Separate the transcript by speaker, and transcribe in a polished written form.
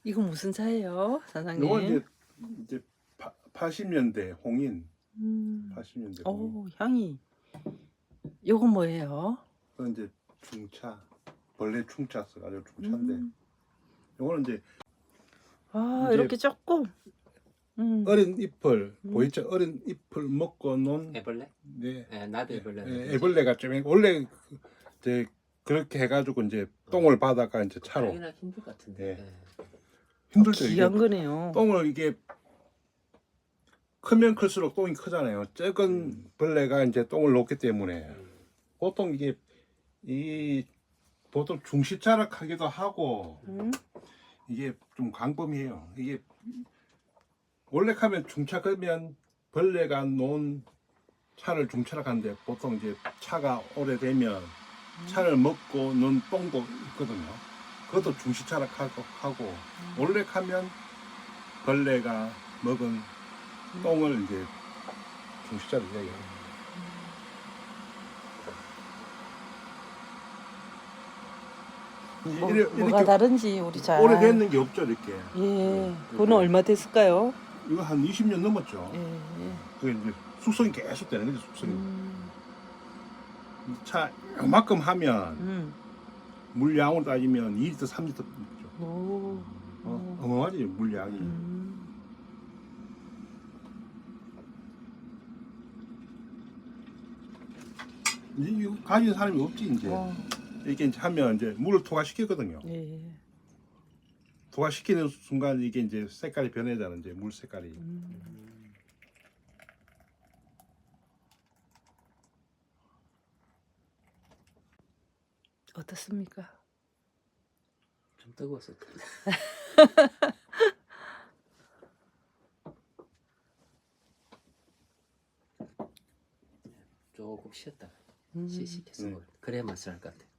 Speaker 1: 이거 무슨 차예요, 사장님?
Speaker 2: 요거 이제 80년대 홍인. 80년대 홍인.
Speaker 1: 오, 향이. 요건 뭐예요?
Speaker 2: 그건 이제 중차. 벌레 충차 써가지고 중차인데. 요거는 이제
Speaker 1: 아,
Speaker 2: 이제
Speaker 1: 이렇게 조금.
Speaker 2: 어린 잎을 보이죠? 어린 잎을 먹고 논
Speaker 3: 애벌레?
Speaker 2: 네.
Speaker 3: 네, 나도 애벌레.
Speaker 2: 애벌레가 좀 원래 이제 그렇게 해가지고 이제 똥을 받아가 이제 차로
Speaker 3: 하기는 힘들 것 같은데.
Speaker 2: 네. 힘들죠. 이게
Speaker 1: 귀한 거네요.
Speaker 2: 똥을 이게 크면 클수록 똥이 크잖아요. 작은 벌레가 이제 똥을 놓기 때문에 보통 이게 보통 중시자락하기도 하고 이게 좀 광범위해요. 이게 원래 하면 중차 그러면 벌레가 놓은 차를 중차락하는데 보통 이제 차가 오래되면 차를 먹고 놓은 똥도 있거든요. 그것도 중시차락하고 원래 하면 벌레가 먹은 똥을 이제 중시차락 얘기해요.
Speaker 1: 뭐가 다른지 우리 잘.
Speaker 2: 오래됐는 게 없죠 이렇게.
Speaker 1: 예, 그거는 얼마 됐을까요?
Speaker 2: 이거 한 20년 넘었죠.
Speaker 1: 예, 예.
Speaker 2: 그게 이제 숙성이 계속 되는 거죠 숙성이. 차 요만큼 하면 물량으로 따지면 2리터 3리터 먹죠.
Speaker 1: 오.
Speaker 2: 어마어마하지 물량이. 이거 가진 사람이 없지 이제. 이렇게 이제 하면 이제 물을 토화시키거든요.
Speaker 1: 예.
Speaker 2: 토화시키는 순간 이게 이제 색깔이 변해잖아요. 이제 물 색깔이.
Speaker 1: 어떻습니까?
Speaker 3: 좀 뜨거웠을 텐데. 조금 쉬었다가 시식해서 먹을. 그래야 맛을 알 것 같아.